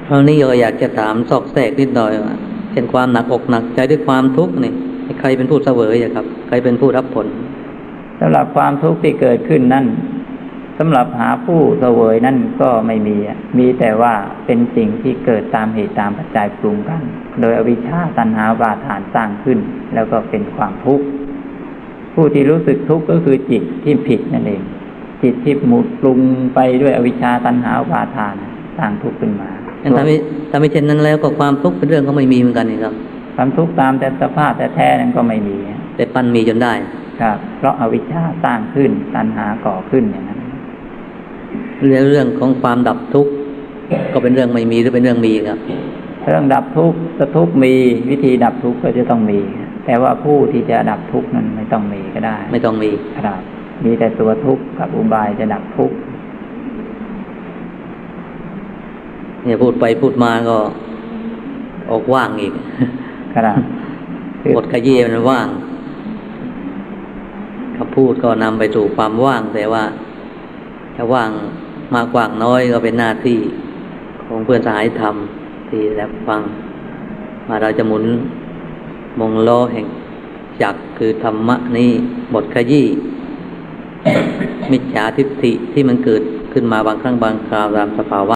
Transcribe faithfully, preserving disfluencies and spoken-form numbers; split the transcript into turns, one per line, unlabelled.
คราวนี้เราอยากจะถามซอกแซกนิดหน่อยว่าเช่นความหนักอกหนักใจด้วยความทุกข์นี่ใครเป็นผู้เสวยอะครับใครเป็นผู้รับผล
สำหรับความทุกข์ที่เกิดขึ้นนั่นสำหรับหาผู้เสวยนั่นก็ไม่มีมีแต่ว่าเป็นสิ่งที่เกิดตามเหตุตามปัจจัยปรุงกันโดยอวิชชาตัณหาอุปาทานสร้างขึ้นแล้วก็เป็นความทุกข์ผู้ที่รู้สึกทุกข์ก็คือจิตที่ผิดนั่นเองจิตที่หมุดปรุงไปด้วยอวิชชาตัณหาอุปาทานสร้างทุกข์ขึ้นมา
ถ้าไม่ถ้าไม่เช่นนั้นแล้วก็ความทุกข์เป็นเรื่องก็ไม่มีเหมือนกันนี่ครับ
ความทุกข์ตามแต่สภาพแต่แท้นั้นก็ไม่มี
แต่ปั้นมีจนได้
ครับเพราะอวิชชาสร้างขึ้นตัณหาก่อขึ้นอย่างนั้น
เรื่องเรื่องของความดับทุกข์ก็เป็นเรื่องไม่มีหรือเป็นเรื่องมีครับ
เรื่องดับทุกข์จะทุกข์มีวิธีดับทุกข์ก็จะต้องมีแต่ว่าผู้ที่จะดับทุกข์นั้นไม่ต้องมีก็ได้
ไม่ต้องมี
ครับมีแต่ตัวทุกข์กับอุบายจะดับทุกข์
เนี่ยพูดไปพูดมาก็ออกว่างอีก
ครับ
บทขยี้มันว่างคำพูดก็นำไปสู่ความว่างแต่ว่าถ้าว่างมากกว่างน้อยก็เป็นหน้าที่ของเพื่อนสหายธรรมที่รับฟังมาเราจะหมุนมงล้อแห่งจักรคือธรรมะนี้บทขยี้มิจฉาทิฏฐิที่มันเกิดขึ้นมาบางครั้งบางคราวตามสภาวะ